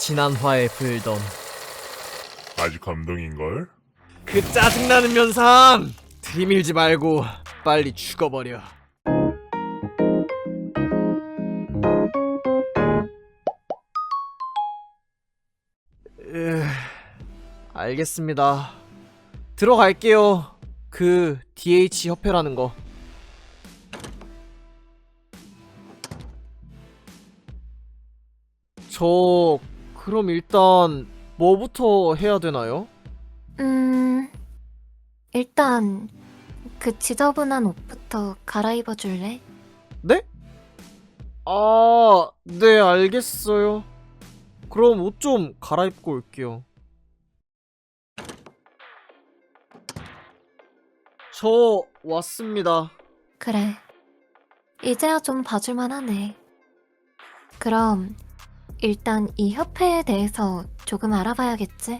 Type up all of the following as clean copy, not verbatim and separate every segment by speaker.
Speaker 1: 지난화의 불던.
Speaker 2: 아주 감동인걸?
Speaker 1: 그 짜증나는 면상! 들이밀지 말고 빨리 죽어버려. 알겠습니다. 들어갈게요. 그 DH 협회라는 거. 저 그럼 일단 뭐부터 해야 되나요?
Speaker 3: 일단 그 지저분한 옷부터 갈아입어 줄래?
Speaker 1: 네? 아, 네, 알겠어요. 그럼 옷 좀 갈아입고 올게요. 저 왔습니다.
Speaker 3: 그래. 이제야 좀 봐줄만 하네. 그럼 일단 이 협회에 대해서 조금 알아봐야겠지?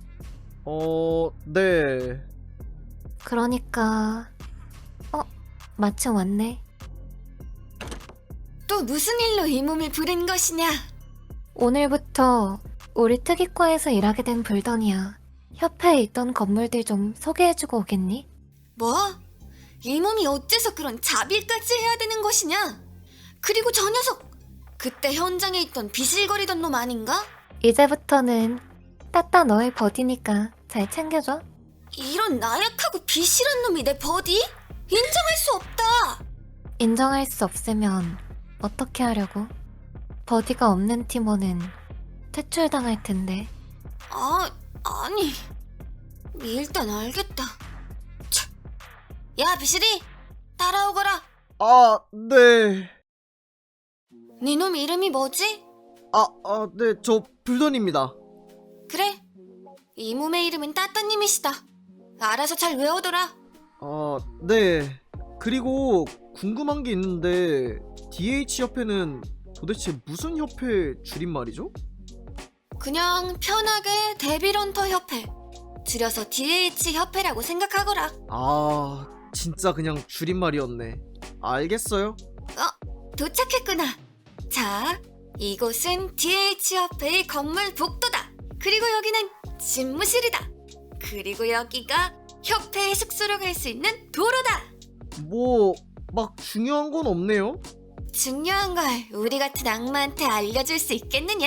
Speaker 1: 네.
Speaker 3: 그러니까 마침 왔네.
Speaker 4: 또 무슨 일로 이 몸을 부른 것이냐?
Speaker 3: 오늘부터 우리 특이과에서 일하게 된 불던이야. 협회에 있던 건물들 좀 소개해주고 오겠니?
Speaker 4: 뭐? 이 몸이 어째서 그런 자빌까지 해야 되는 것이냐? 그리고 저 녀석! 그때 현장에 있던 비실거리던 놈 아닌가?
Speaker 3: 이제부터는 따따 너의 버디니까 잘 챙겨줘.
Speaker 4: 이런 나약하고 비실한 놈이 내 버디? 인정할 수 없다!
Speaker 3: 인정할 수 없으면 어떻게 하려고? 버디가 없는 팀원은 퇴출당할 텐데.
Speaker 4: 아니. 일단 알겠다. 차. 야, 비실이! 따라오거라!
Speaker 1: 아, 네.
Speaker 4: 네 놈 이름이 뭐지?
Speaker 1: 네, 저 불던입니다.
Speaker 4: 그래. 이 몸의 이름은 따따님이시다. 알아서 잘 외워둬라.
Speaker 1: 네. 그리고 궁금한 게 있는데 DH 협회는 도대체 무슨 협회 줄임말이죠?
Speaker 4: 그냥 편하게 데빌런터 협회, 줄여서 DH 협회라고 생각하거라.
Speaker 1: 진짜 그냥 줄임말이었네. 알겠어요.
Speaker 4: 도착했구나. 자, 이곳은 DH 협회의 건물 복도다. 그리고 여기는 집무실이다. 그리고 여기가 협회의 숙소로 갈 수 있는 도로다.
Speaker 1: 뭐 막 중요한 건 없네요.
Speaker 4: 중요한 걸 우리 같은 악마한테 알려줄 수 있겠느냐?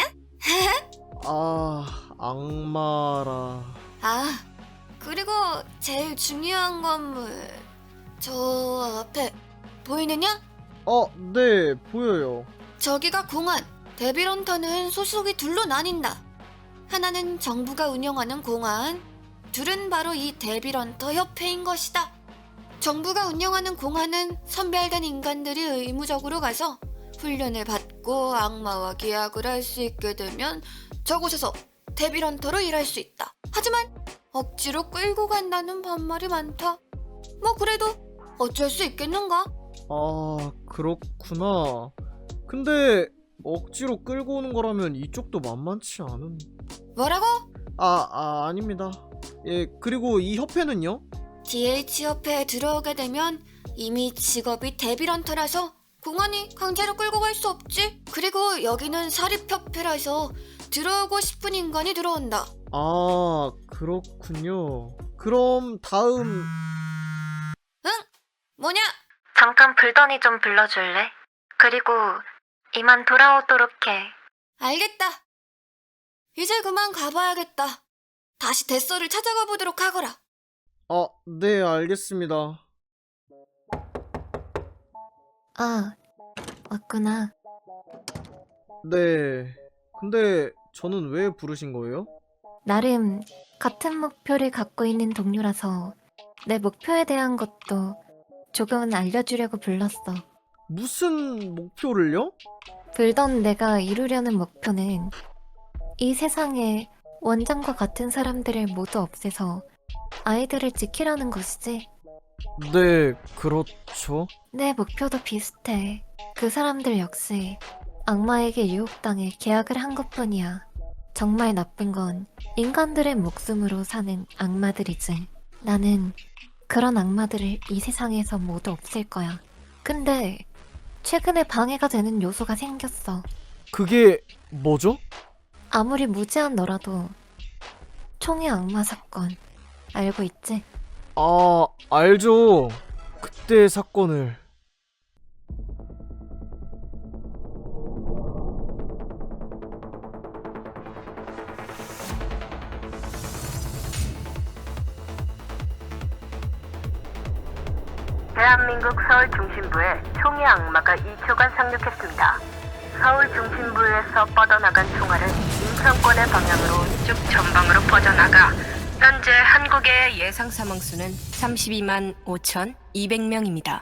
Speaker 1: 악마라.
Speaker 4: 그리고 제일 중요한 건물, 저 앞에 보이느냐?
Speaker 1: 네, 보여요.
Speaker 4: 저기가 공안. 데빌런터는 소속이 둘로 나뉜다. 하나는 정부가 운영하는 공안, 둘은 바로 이 데빌런터 협회인 것이다. 정부가 운영하는 공안은 선별된 인간들이 의무적으로 가서 훈련을 받고 악마와 계약을 할 수 있게 되면 저곳에서 데빌런터로 일할 수 있다. 하지만 억지로 끌고 간다는 반말이 많다. 뭐 그래도 어쩔 수 있겠는가?
Speaker 1: 그렇구나. 근데 억지로 끌고 오는 거라면 이쪽도 만만치 않은.
Speaker 4: 뭐라고?
Speaker 1: 아닙니다. 예, 그리고 이 협회는요?
Speaker 4: DH 협회에 들어오게 되면 이미 직업이 데빌런터라서 공안이 강제로 끌고 갈 수 없지. 그리고 여기는 사립협회라서 들어오고 싶은 인간이 들어온다.
Speaker 1: 그렇군요. 그럼 다음.
Speaker 4: 뭐냐?
Speaker 3: 잠깐 불던이 좀 불러줄래? 그리고 이만 돌아오도록 해.
Speaker 4: 알겠다. 이제 그만 가봐야겠다. 다시 뱃소를 찾아가 보도록 하거라.
Speaker 1: 네, 알겠습니다.
Speaker 3: 왔구나.
Speaker 1: 네. 근데 저는 왜 부르신 거예요?
Speaker 3: 나름 같은 목표를 갖고 있는 동료라서 내 목표에 대한 것도 조금은 알려주려고 불렀어.
Speaker 1: 무슨 목표를요?
Speaker 3: 불던 내가 이루려는 목표는 이 세상에 원장과 같은 사람들을 모두 없애서 아이들을 지키려는 것이지.
Speaker 1: 네, 그렇죠.
Speaker 3: 내 목표도 비슷해. 그 사람들 역시 악마에게 유혹당해 계약을 한 것뿐이야. 정말 나쁜 건 인간들의 목숨으로 사는 악마들이지. 나는 그런 악마들을 이 세상에서 모두 없앨 거야. 근데 최근에 방해가 되는 요소가 생겼어.
Speaker 1: 그게 뭐죠?
Speaker 3: 아무리 무지한 너라도 총의 악마 사건 알고 있지?
Speaker 1: 아, 알죠. 그때 사건을.
Speaker 5: 대한민국 서울 중심부에 총의 악마가 2초간 상륙했습니다. 서울 중심부에서 뻗어나간 총알은 인천권의 방향으로 쭉 전방으로 퍼져나가 현재 한국의 예상 사망수는 32만 5,200명입니다.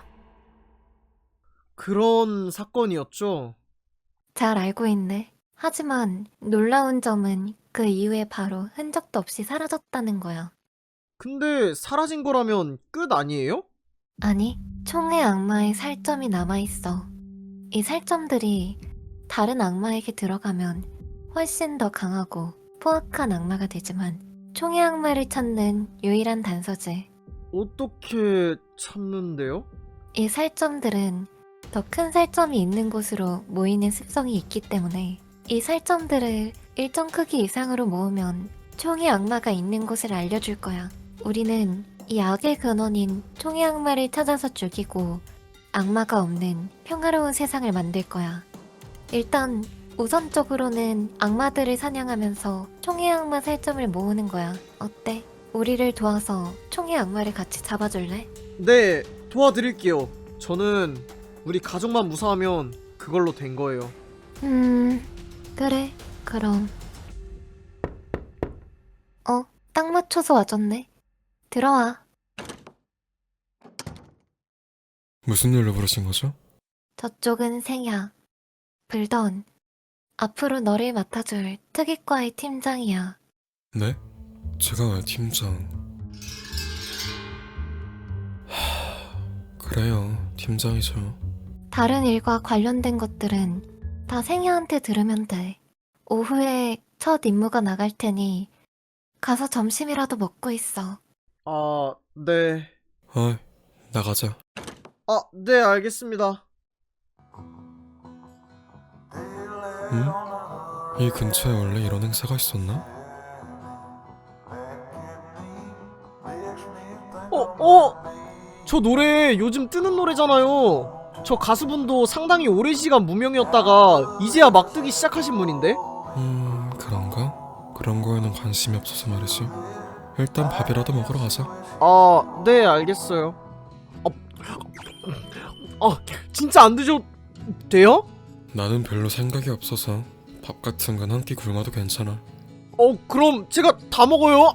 Speaker 1: 그런 사건이었죠.
Speaker 3: 잘 알고 있네. 하지만 놀라운 점은 그 이후에 바로 흔적도 없이 사라졌다는 거야.
Speaker 1: 근데 사라진 거라면 끝 아니에요?
Speaker 3: 아니, 총의 악마의 살점이 남아있어. 이 살점들이 다른 악마에게 들어가면 훨씬 더 강하고 포악한 악마가 되지만 총의 악마를 찾는 유일한 단서지.
Speaker 1: 어떻게 찾는데요?
Speaker 3: 이 살점들은 더 큰 살점이 있는 곳으로 모이는 습성이 있기 때문에 이 살점들을 일정 크기 이상으로 모으면 총의 악마가 있는 곳을 알려줄 거야. 우리는 이 악의 근원인 총의 악마를 찾아서 죽이고 악마가 없는 평화로운 세상을 만들 거야. 일단 우선적으로는 악마들을 사냥하면서 총의 악마 살점을 모으는 거야. 어때? 우리를 도와서 총의 악마를 같이 잡아줄래?
Speaker 1: 네, 도와드릴게요. 저는 우리 가족만 무사하면 그걸로 된 거예요.
Speaker 3: 그래. 그럼. 딱 맞춰서 와줬네. 들어와.
Speaker 6: 무슨 일로 부르신 거죠?
Speaker 3: 저쪽은 생야. 불던. 앞으로 너를 맡아줄 특이과의 팀장이야.
Speaker 6: 네? 제가 왜 팀장? 그래요, 팀장이죠.
Speaker 3: 다른 일과 관련된 것들은 다 생야한테 들으면 돼. 오후에 첫 임무가 나갈 테니 가서 점심이라도 먹고 있어.
Speaker 1: 아, 네.
Speaker 6: 어이, 나가자.
Speaker 1: 아, 네, 알겠습니다.
Speaker 6: 응? 이 근처에 원래 이런 행사가 있었나?
Speaker 1: 저 노래 요즘 뜨는 노래잖아요. 저 가수분도 상당히 오랜 시간 무명이었다가 이제야 막 뜨기 시작하신 분인데?
Speaker 6: 그런가? 그런 거에는 관심이 없어서 말이지. 일단 밥이라도 먹으러 가자.
Speaker 1: 아, 네, 알겠어요. 진짜 안 드셔도 돼요?
Speaker 6: 나는 별로 생각이 없어서 밥 같은 건 한 끼 굶어도 괜찮아.
Speaker 1: 그럼 제가 다 먹어요.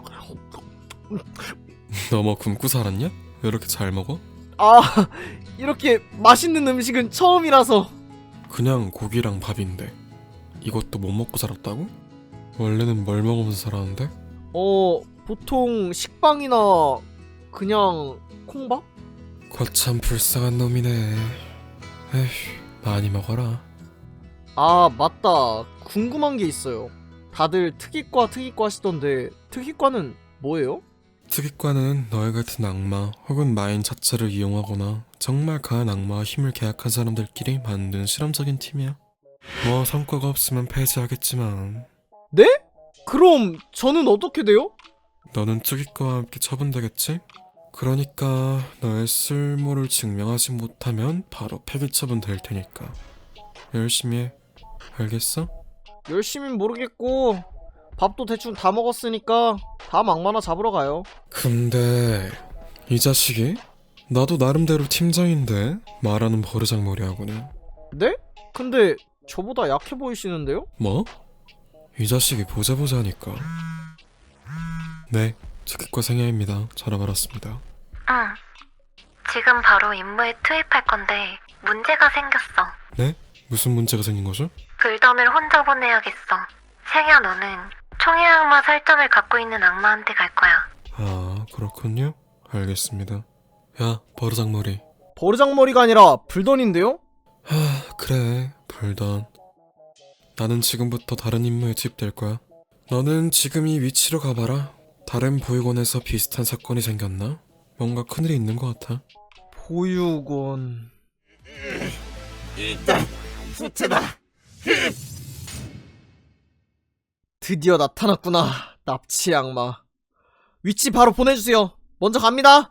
Speaker 6: 너 뭐 굶고 살았냐? 왜 이렇게 잘 먹어?
Speaker 1: 아, 이렇게 맛있는 음식은 처음이라서.
Speaker 6: 그냥 고기랑 밥인데 이것도 못 먹고 살았다고? 원래는 뭘 먹으면서 살았는데?
Speaker 1: 보통 식빵이나 그냥 콩밥?
Speaker 6: 거참 불쌍한 놈이네. 에휴, 많이 먹어라.
Speaker 1: 아, 맞다. 궁금한 게 있어요. 다들 특이과 하시던데 특이과는 뭐예요?
Speaker 6: 특이과는 너희 같은 악마 혹은 마인 자체를 이용하거나 정말 강한 악마와 힘을 계약한 사람들끼리 만든 실험적인 팀이야. 뭐 성과가 없으면 폐지하겠지만
Speaker 1: 네? 그럼 저는 어떻게 돼요?
Speaker 6: 너는 특이과와 함께 처분되겠지? 그러니까 너의 쓸모를 증명하지 못하면 바로 폐기 처분될 테니까 열심히 해. 알겠어?
Speaker 1: 열심히 모르겠고 밥도 대충 다 먹었으니까 다음 악마나 잡으러 가요.
Speaker 6: 근데 이 자식이? 나도 나름대로 팀장인데 말하는 버르장머리하고는.
Speaker 1: 네? 근데 저보다 약해 보이시는데요?
Speaker 6: 뭐? 이 자식이 보자 하니까. 네, 특기과 생야입니다. 전화 받았습니다.
Speaker 3: 응. 지금 바로 임무에 투입할 건데 문제가 생겼어.
Speaker 6: 네? 무슨 문제가 생긴 거죠?
Speaker 3: 불덤을 혼자 보내야겠어. 생야 너는 총의 악마 살점을 갖고 있는 악마한테 갈 거야.
Speaker 6: 아, 그렇군요. 알겠습니다. 야, 버르장머리.
Speaker 1: 버르장머리가 아니라 불던인데요?
Speaker 6: 그래, 불던. 나는 지금부터 다른 임무에 투입될 거야. 너는 지금 이 위치로 가봐라. 다른 보육원에서 비슷한 사건이 생겼나? 뭔가 큰일이 있는 것 같아.
Speaker 1: 보육원...
Speaker 2: 일단 후퇴다.
Speaker 1: 드디어 나타났구나. 납치 악마. 위치 바로 보내주세요. 먼저 갑니다.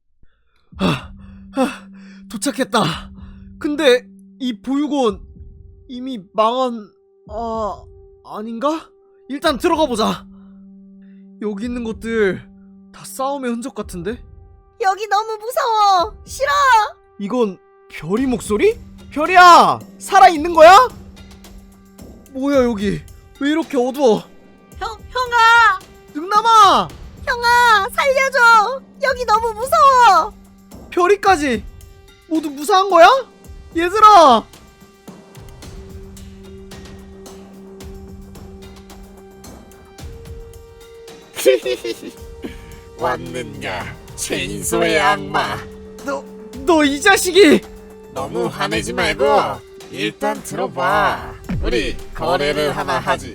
Speaker 1: 도착했다. 근데 이 보육원 이미 망한 아닌가? 일단 들어가 보자. 여기 있는 것들 다 싸움의 흔적 같은데?
Speaker 7: 여기 너무 무서워. 싫어.
Speaker 1: 이건 별이 목소리? 별이야! 살아있는 거야? 뭐야 여기 왜 이렇게 어두워?
Speaker 7: 형아,
Speaker 1: 능남아!
Speaker 7: 형아, 살려줘. 여기 너무 무서워.
Speaker 1: 별이까지 모두 무사한 거야? 얘들아!
Speaker 8: 왔느냐, 최인소의 악마.
Speaker 1: 너 이 자식이!
Speaker 8: 너무 화내지 말고 일단 들어봐. 우리 거래를 하나 하지.